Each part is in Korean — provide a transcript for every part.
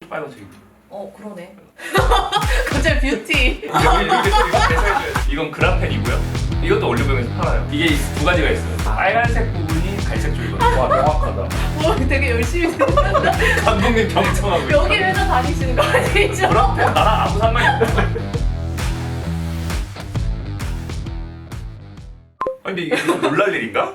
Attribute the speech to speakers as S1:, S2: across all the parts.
S1: 빨간색이고.
S2: 그러네. 갑자기 뷰티.
S1: 이건 그라펜이고요. 이것도 올리브영에서 팔아요. 이게 두 가지가 있어요. 빨간색 부분이 갈색 쪽이거든요.
S3: 와 명확하다.
S2: 되게 열심히 생각한다.
S1: 감독님 경청하고 있어요.
S2: 여기 회사 다니시는 거 아니죠?
S1: 그라펜 나랑 아무 상관이 없어. 근데 이게 놀랄 일인가?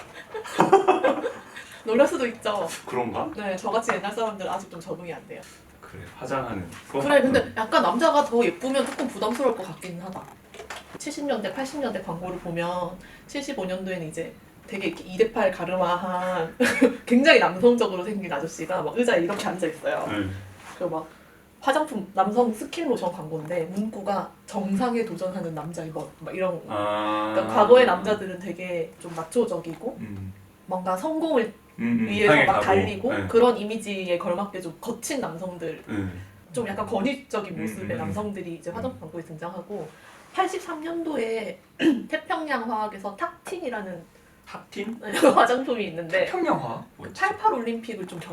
S2: 놀랄 수도 있죠.
S1: 그런가?
S2: 네, 저같이 옛날 사람들 아직 좀 적응이 안 돼요.
S1: 그래, 화장하는.
S2: 그래, 근데 약간 남자가 더 예쁘면 조금 부담스러울 것 같긴 하다. 70년대, 80년대 광고를 보면 75년도에는 이제 되게 이렇게 2대8 가르마한 굉장히 남성적으로 생긴 아저씨가 막 의자에 이렇게 앉아 있어요. 그리고 막 화장품 남성 스킨 로션 광고인데 문구가 정상에 도전하는 남자의 멋 막 이런. 그러니까 과거의 남자들은 되게 좀 마초적이고 뭔가 성공을 위해서 막 달리고 그런 이미지에 걸맞게 좀 거친 남성들, 좀 약간 권위적인 모습의 남성들이 이제 화장품 광고에 등장하고 83년도에 태평양 화학에서 탁틴이라는
S1: 탑틴?
S2: 화장품이 있는데
S1: 태평양화?
S2: 그 88 올림픽을 좀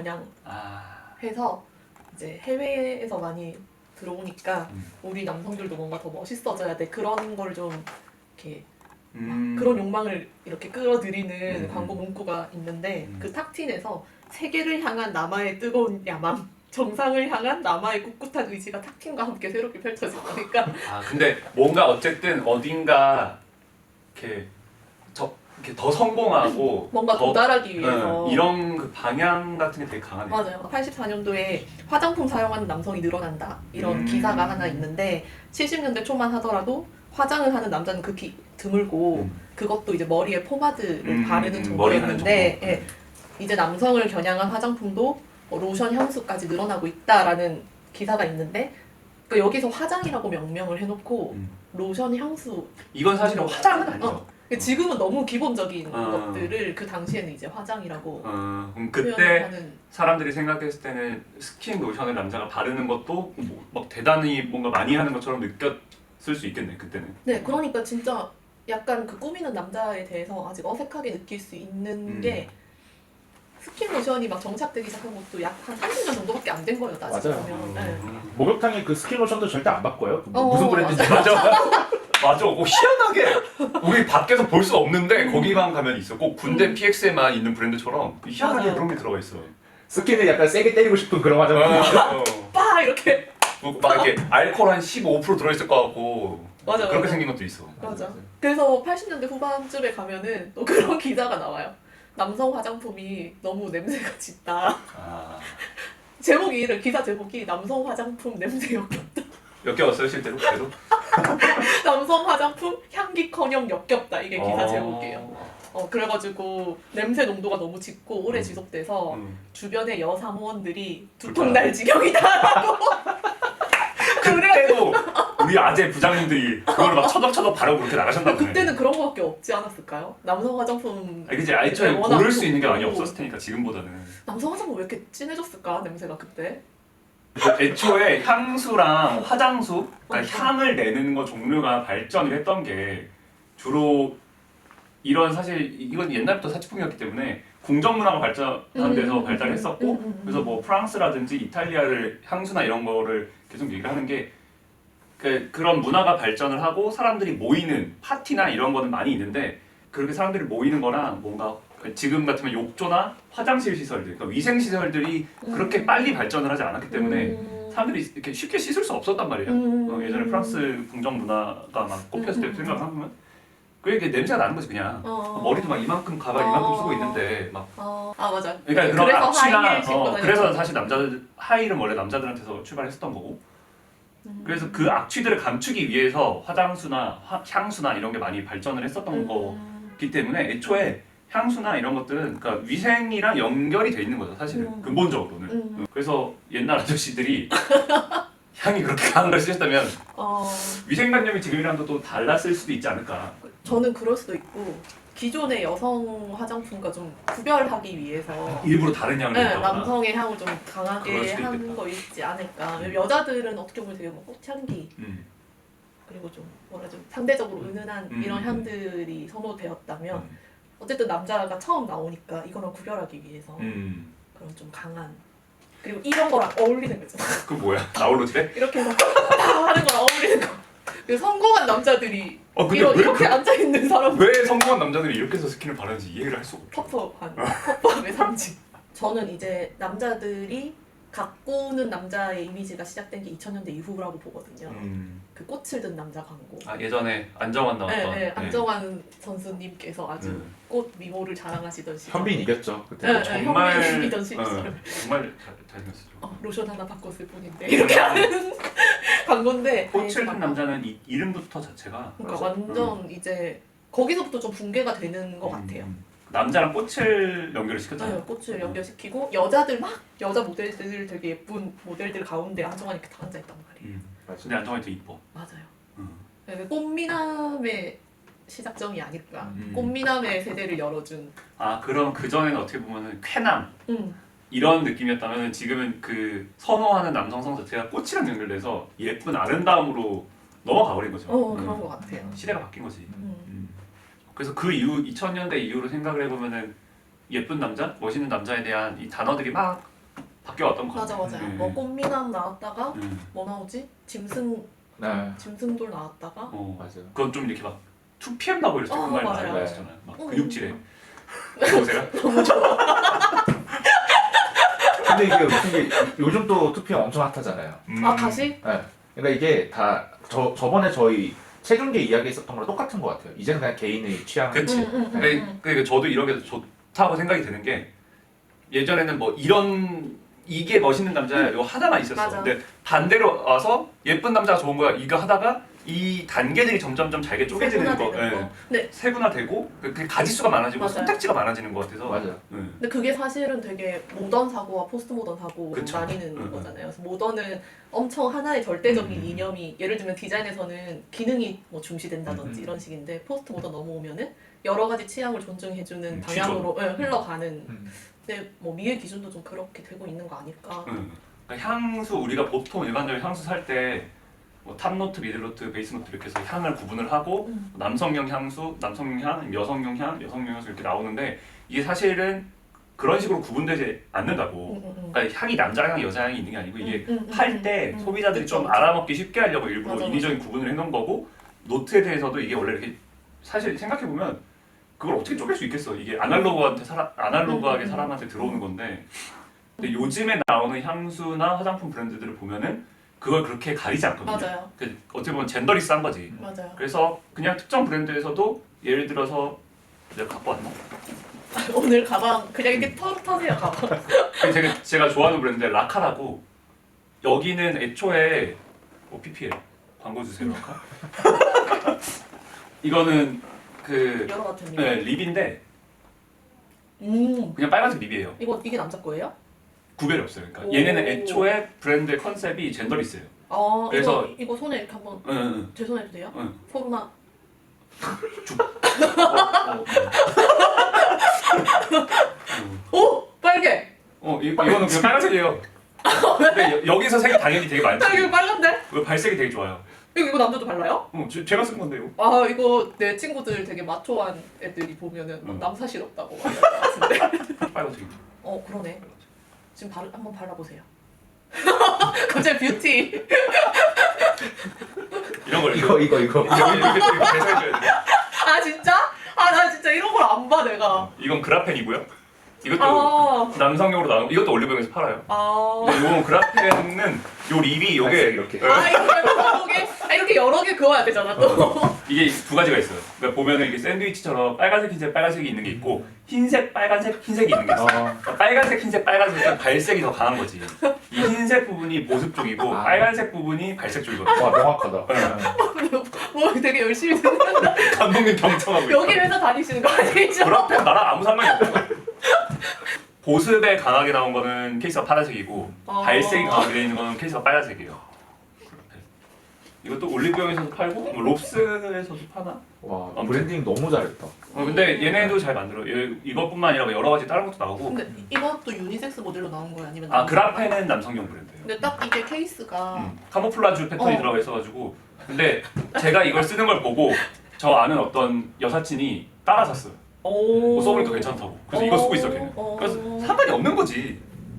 S2: 겨냥해서 이제 해외에서 많이 들어오니까 우리 남성들도 뭔가 더 멋있어져야 돼, 그런 걸 좀 이렇게 그런 욕망을 이렇게 끌어들이는 광고 문구가 있는데 그 탁틴에서 세계를 향한 남아의 뜨거운 야망, 정상을 향한 남아의 꿋꿋한 의지가 탁틴과 함께 새롭게 펼쳐지니까.
S1: 근데 뭔가 어쨌든 어딘가 이렇게 이렇게 더 성공하고
S2: 뭔가
S1: 더,
S2: 도달하기 위해서
S1: 이런 그 방향 같은 게 되게 강하네요.
S2: 맞아요. 84년도에 화장품 사용하는 남성이 늘어난다 이런 기사가 하나 있는데 70년대 초만 하더라도 화장을 하는 남자는 극히 드물고 그것도 이제 머리에 포마드를 바르는 정도였는데 예, 이제 남성을 겨냥한 화장품도 로션, 향수까지 늘어나고 있다라는 기사가 있는데 그러니까 여기서 화장이라고 명명을 해놓고 로션, 향수
S1: 이건 사실은 화장은 아니죠.
S2: 지금은 너무 기본적인 것들을 그 당시에는 이제 화장이라고
S1: 그럼 그때 사람들이 생각했을 때는 스킨 로션을 남자가 바르는 것도 막 대단히 뭔가 많이 하는 것처럼 느꼈을 수 있겠네 그때는.
S2: 네, 그러니까 진짜 약간 그 꾸미는 남자에 대해서 아직 어색하게 느낄 수 있는 게 스킨 로션이 막 정착되기 시작한 것도 약 한 30년 정도밖에 안 된 거예요, 따지고 보면. 네.
S3: 목욕탕에 그 스킨 로션도 절대 안 바꿔요. 무슨 브랜드인지
S1: 맞아. 맞아. 희한하게 우리 밖에서 볼 수 없는데 거기만 가면 있어. 꼭 군대 PX에만 있는 브랜드처럼 희한하게
S2: 맞아요.
S1: 그런 게 들어가 있어.
S3: 스킨을 약간 세게 때리고 싶은 그런 화장품.
S2: 빠 이렇게.
S1: 막 이렇게 알코올 한 15% 들어있을 것 같고.
S2: 맞아.
S1: 그렇게
S2: 맞아.
S1: 생긴 것도 있어.
S2: 맞아. 그래서 80년대 후반쯤에 가면은 또 그런 기사가 나와요. 남성 화장품이 너무 냄새가 짙다. 제목이 기사 제목이 남성 화장품 냄새 역겹다.
S1: 역겨웠어요 실제로? 그래도?
S2: 남성 화장품 향기커녕 역겹다, 이게 기사 제목이에요. 그래가지고 냄새 농도가 너무 짙고 오래 지속돼서 주변의 여사무원들이 두통 날 지경이다라고.
S1: 그때도 우리 아재 부장님들이 그걸 막 처덕처덕 바르고 그렇게 나가셨나 보네.
S2: 그때는 그런 거밖에 없지 않았을까요? 남성 화장품.
S1: 그치, 애초에 고를 수 있는 게 많이 없었을 테니까 지금보다는.
S2: 남성 화장품 왜 이렇게 진해졌을까, 냄새가 그때?
S1: 애초에 향수랑 화장수, 그러니까 향을 내는 거 종류가 발전을 했던 게 주로 이런, 사실 이건 옛날부터 사치품이었기 때문에 궁정 문화가 발전한 데서 발달했었고 그래서 뭐 프랑스라든지 이탈리아를 향수나 이런 거를 계속 얘기를 하는 게 그런 문화가 발전을 하고 사람들이 모이는 파티나 이런 거는 많이 있는데 그렇게 사람들이 모이는 거랑 뭔가 지금 같으면 욕조나 화장실 시설들, 그러니까 위생 시설들이 그렇게 빨리 발전을 하지 않았기 때문에 사람들이 이렇게 쉽게 씻을 수 없었단 말이에요. 예전에 프랑스 궁정 문화가 막 꼽혔을 때 생각을 하면 그게 냄새가 나는 거지 그냥. 머리도 막 이만큼 가발 이만큼 쓰고 있는데 막.
S2: 맞아.
S1: 그러니까 그런 악취나 그래서
S2: 다녔죠.
S1: 사실 남자들 하이힐은 원래 남자들한테서 출발했었던 거고. 그래서 그 악취들을 감추기 위해서 화장수나 향수나 이런 게 많이 발전을 했었던 거기 때문에 애초에 향수나 이런 것들은 그러니까 위생이랑 연결이 돼 있는 거죠 사실은 근본적으로는. 그래서 옛날 아저씨들이 향이 그렇게 강한 걸 쓰셨다면 위생관념이 지금이랑도 또 달랐을 수도 있지 않을까.
S2: 저는 그럴 수도 있고 기존의 여성 화장품과 좀 구별하기 위해서
S1: 일부러 다른 향을 냈다거나.
S2: 남성의 향을 좀
S1: 그럴
S2: 강하게
S1: 수도
S2: 한
S1: 있겠다.
S2: 거 있지 않을까. 여자들은 어떻게 보면 되게 뭐 꽃향기 그리고 좀 뭐라 좀 상대적으로 은은한 이런 향들이 선호되었다면 어쨌든 남자가 처음 나오니까 이거랑 구별하기 위해서 그런 좀 강한. 그리고 이런 거랑 어울리는 거 있잖아.
S1: 그 뭐야? 나홀로지래?
S2: 이렇게 해서 다 하는 거랑 어울리는 거. 그 성공한 남자들이
S1: 근데
S2: 이렇게 앉아 있는 사람
S1: 왜 성공한 남자들이 이렇게 해서 스킨을 바르는지 이해를 할 수가 없어.
S2: 텁텁함의 상징. 저는 이제 남자들이 가꾸는 남자의 이미지가 시작된 게 2000년대 이후라고 보거든요. 그 꽃을 든 남자 광고.
S1: 아 예전에 안정환 나왔던.
S2: 네, 안정환 선수님께서 아주 꽃 미모를 자랑하시던 시절.
S3: 현빈 이겼죠 그때.
S2: 네,
S1: 정말
S2: 현빈 이기던 시절.
S1: 정말 잘생겼었죠.
S2: 로션 하나 바꿨을 뿐인데 이렇게 하는 광고인데.
S1: 꽃을 든 남자는 이 이름부터 자체가
S2: 그러니까 완전 이제 거기서부터 좀 붕괴가 되는 것 같아요.
S1: 남자랑 꽃을 연결을
S2: 네,
S1: 시켰잖아요.
S2: 꽃을 연결시키고 여자들 막 여자 모델들 되게 예쁜 모델들 가운데 안정환이 이렇게 다 앉아있단 말이에요.
S3: 맞아.
S1: 근데 안정환이 더 이뻐.
S2: 맞아요. 네, 꽃미남의 시작점이 아닐까.
S1: 음.
S2: 꽃미남의 세대를 열어준.
S1: 아 그럼 그 전에는 어떻게 보면은 쾌남
S2: 음.
S1: 이런 느낌이었다면 지금은 그 선호하는 남성성 자체가 꽃이랑 연결돼서 예쁜 아름다움으로 넘어가 버린 거죠.
S2: 그런 것 같아요.
S1: 시대가 바뀐 거지.
S2: 음.
S1: 그래서 그 이후 2000년대 이후로 생각을 해보면은 예쁜 남자, 멋있는 남자에 대한 이 단어들이 막 바뀌어왔던 것
S2: 맞아
S1: 같아요.
S2: 맞아요. 뭐 꽃미남 나왔다가
S1: 네.
S2: 뭐 나오지?
S3: 네.
S2: 짐승돌 나왔다가.
S3: 맞아요.
S1: 그건 좀 이렇게 막 2PM 나고 이랬을 때 그 말 많이
S2: 맞아요.
S1: 나왔잖아요. 막 근육질에. 좋으세요?
S3: 근데 이게 웃긴 게 요즘 또 2PM 엄청 핫하잖아요.
S2: 아 다시?
S3: 네. 그러니까 이게 다 저번에 저희 최근계 이야기했었던 거랑 똑같은 것 같아요. 이제는 그냥 개인의 취향.
S1: 그치. 그러니까 저도 이렇게 좋다고 생각이 드는 게 예전에는 뭐 이게 멋있는 남자야 이거 하나만 있었어.
S2: 맞아.
S1: 근데 반대로 와서 예쁜 남자가 좋은 거야 이거 하다가 이 단계들이 점점점 잘게 쪼개지는 거.
S2: 네.
S1: 세분화되고 그 가지수가 많아지고
S2: 맞아요.
S1: 선택지가 많아지는 것 같아서.
S3: 맞아요.
S2: 근데 그게 사실은 되게 모던 사고와 포스트 모던 사고로
S1: 그쵸.
S2: 나뉘는 거잖아요. 그래서 모던은 엄청 하나의 절대적인 이념이 예를 들면 디자인에서는 기능이 뭐 중시된다든지 이런 식인데 포스트 모던 넘어오면은 여러 가지 취향을 존중해주는 방향으로 흘러가는. 근데 뭐 미의 기준도 좀 그렇게 되고 있는 거 아닐까.
S1: 그러니까 향수 우리가 보통 일반적인 향수 살 때 뭐 탑노트, 미들노트, 베이스노트 이렇게 해서 향을 구분을 하고 남성용 향수, 남성용 향, 여성용 향, 여성용 향수 이렇게 나오는데 이게 사실은 그런 식으로 구분되지 않는다고. 그러니까 향이 남자 향, 여자 향이 있는 게 아니고 이게 팔 때 소비자들이
S2: 그쵸,
S1: 좀
S2: 그쵸.
S1: 알아먹기 쉽게 하려고 일부러
S2: 맞아,
S1: 인위적인 구분을 해놓은 거고 노트에 대해서도 이게 원래 이렇게 사실 생각해 보면 그걸 어떻게 쪼갤 수 있겠어? 이게 아날로그하게 사람한테 들어오는 건데. 근데 요즘에 나오는 향수나 화장품 브랜드들을 보면은 그걸 그렇게 가리지 않거든요.
S2: 맞아요.
S1: 그 어떻게 보면 젠더리스한 거지.
S2: 맞아요.
S1: 그래서 그냥 특정 브랜드에서도 예를 들어서 내가 갖고 왔나?
S2: 오늘 가방 그냥 이렇게 터세요 가방.
S1: 제가 좋아하는 브랜드 라카라고 여기는 애초에 PPL 광고 주세요 라카. 이거는 그
S2: 여러 같은
S1: 네, 립인데
S2: 음.
S1: 그냥 빨간색 립이에요.
S2: 이게 남자 거예요?
S1: 구별이 없어요. 그러니까
S2: 오.
S1: 얘네는 애초에 브랜드의 컨셉이 젠더리스예요.
S2: 아
S1: 그래서-
S2: 이거 손에 이렇게 한번
S1: 응.
S2: 제 손에 해도 돼요?
S1: 응.
S2: 코로나. 오 빨개.
S1: 이거는 그냥 빨간색이에요. 근데 여기서 색이 당연히 되게 많지.
S2: 이거 빨간데?
S1: 왜 발색이 되게 좋아요.
S2: 이거 남자도 발라요?
S1: 제가 쓴 건데요.
S2: 아 이거 내 친구들 되게 마초한 애들이 보면은 막 남사실 없다고 막 이럴 것 같은데.
S1: 빨간색.
S2: 그러네. 지금 한번 발라보세요. 갑자기 뷰티.
S1: 이런 걸
S3: 이거
S1: 이렇게 배색해줘야 돼.
S2: 아 진짜? 아 나 진짜 이런 걸 안 봐 내가.
S1: 이건 그라펜이고요. 이것도
S2: 아.
S1: 남성용으로 나온 이것도 올리브영에서 팔아요.
S2: 아.
S1: 근데 요건 그라펜은 요 립이 요게
S3: 이렇게.
S2: 아 이렇게 여러 개 그어야 되잖아 또.
S1: 이게 두 가지가 있어요. 그러니까 보면은 이게 샌드위치처럼 빨간색, 흰색, 빨간색이 있는 게 있고 흰색, 빨간색, 흰색이 있는 게 있어요. 그러니까 빨간색, 흰색, 빨간색은 발색이 더 강한 거지. 이 흰색 부분이 보습 쪽이고 빨간색 부분이 발색 쪽이거든요.
S3: 와 명확하다.
S2: 뭐 되게 열심히 듣는다.
S1: 감독님 경청하고 있어.
S2: 여기 회사 다니시는 거 아니죠?
S1: 그라펜 나랑 아무 상관이 없어. 보습에 강하게 나온 거는 케이스가 파란색이고 발색이 강하게 되어 있는 거는 케이스가 빨간색이에요. 이것도 올리브영에서도 팔고 뭐 롭스에서도 파나?
S3: 와 브랜딩 너무 잘했다.
S1: 근데 얘네도 잘 만들어. 이것뿐만 아니라 여러 가지 다른 것도 나오고.
S2: 근데 이것도 유니섹스 모델로 나온 거야 아니면?
S1: 그라펜은 남성용 브랜드예요.
S2: 근데 딱 이게 케이스가
S1: 카모플라주 패턴이 들어가 있어가지고. 근데 제가 이걸 쓰는 걸 보고 저 아는 어떤 여사친이 따라 샀어요.
S2: 오.
S1: 써보니까 괜찮다고. 그래서 이거 쓰고 있어 걔는. 그래서 상관이 없는 거지.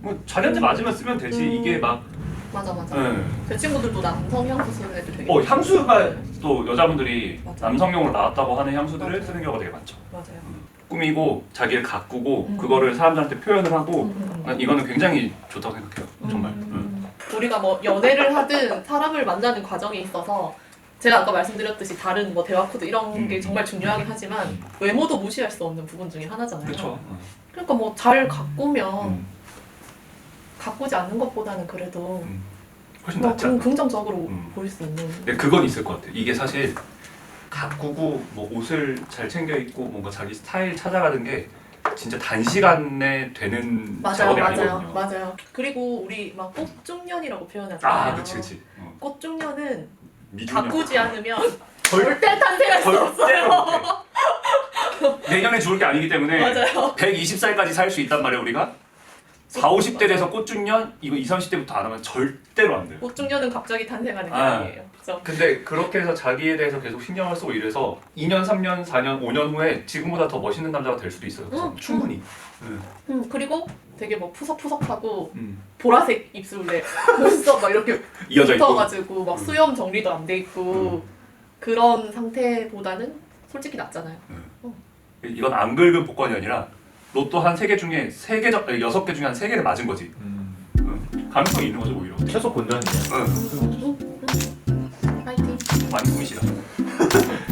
S1: 뭐 자기한테 맞으면 쓰면 되지. 이게 막
S2: 맞아.
S1: 예.
S2: 제 친구들도 남성 향수 쓰는 애들 되게
S1: 향수가
S2: 네.
S1: 또 여자분들이
S2: 맞아.
S1: 남성용으로 나왔다고 하는 향수들을
S2: 맞아.
S1: 쓰는 경우가 되게 많죠.
S2: 맞아요.
S1: 꾸미고 자기를 가꾸고
S2: 음.
S1: 그거를 사람들한테 표현을 하고
S2: 음.
S1: 이거는 굉장히 좋다고 생각해요. 정말.
S2: 우리가 뭐 연애를 하든 사람을 만나는 과정에 있어서 제가 아까 말씀드렸듯이 다른 뭐 대화 코드 이런 게 정말 중요하긴 하지만 외모도 무시할 수 없는 부분 중에 하나잖아요.
S1: 그렇죠.
S2: 그러니까 뭐 잘 가꾸면 가꾸지 않는 것보다는 그래도
S1: 훨씬
S2: 뭐
S1: 낫지 않나.
S2: 긍정적으로
S1: 음.
S2: 보일 수 있는.
S1: 근데 그건 있을 것 같아. 이게 사실 가꾸고 뭐 옷을 잘 챙겨 입고 뭔가 자기 스타일 찾아가는 게 진짜 단시간에 되는 작업이 아니거든요.
S2: 맞아요. 그리고 우리 막 꽃중년이라고 표현하잖아요.
S1: 그치.
S2: 꽃중년은
S1: 미중년.
S2: 가꾸지 않으면
S1: 절-
S2: 절대 탄생할 수
S1: 절대로
S2: 없어요.
S1: 못해. 내년에 죽을 게 아니기 때문에
S2: 맞아요.
S1: 120살까지 살 수 있단 말이에요 우리가. 40, 50대 돼서 꽃중년 이거 20, 30대부터 안 하면 절대로 안 돼요.
S2: 꽃중년은 갑자기 탄생하는 게
S1: 아.
S2: 아니에요. 그죠?
S1: 근데 그렇게 해서 자기에 대해서 계속 신경을 쓰고 이래서 2년, 3년, 4년, 5년 후에 지금보다 더 멋있는 남자가 될 수도 있어요. 충분히.
S2: 그리고 되게 뭐 푸석푸석하고
S1: 음.
S2: 보라색 입술에 눈썹 막 이렇게
S1: 이어져 있고.
S2: 붙어가지고 막 수염 정리도 안 돼 있고 그런 상태보다는 솔직히 낫잖아요.
S1: 이건 안 긁은 복권이 아니라 로또 한 3개 중에 6개 중에 한 3개를 맞은 거지. 가능성이 있는 거죠 오히려.
S3: 최소 본전이에요.
S2: 파이팅.
S1: 많이 꾸미시다.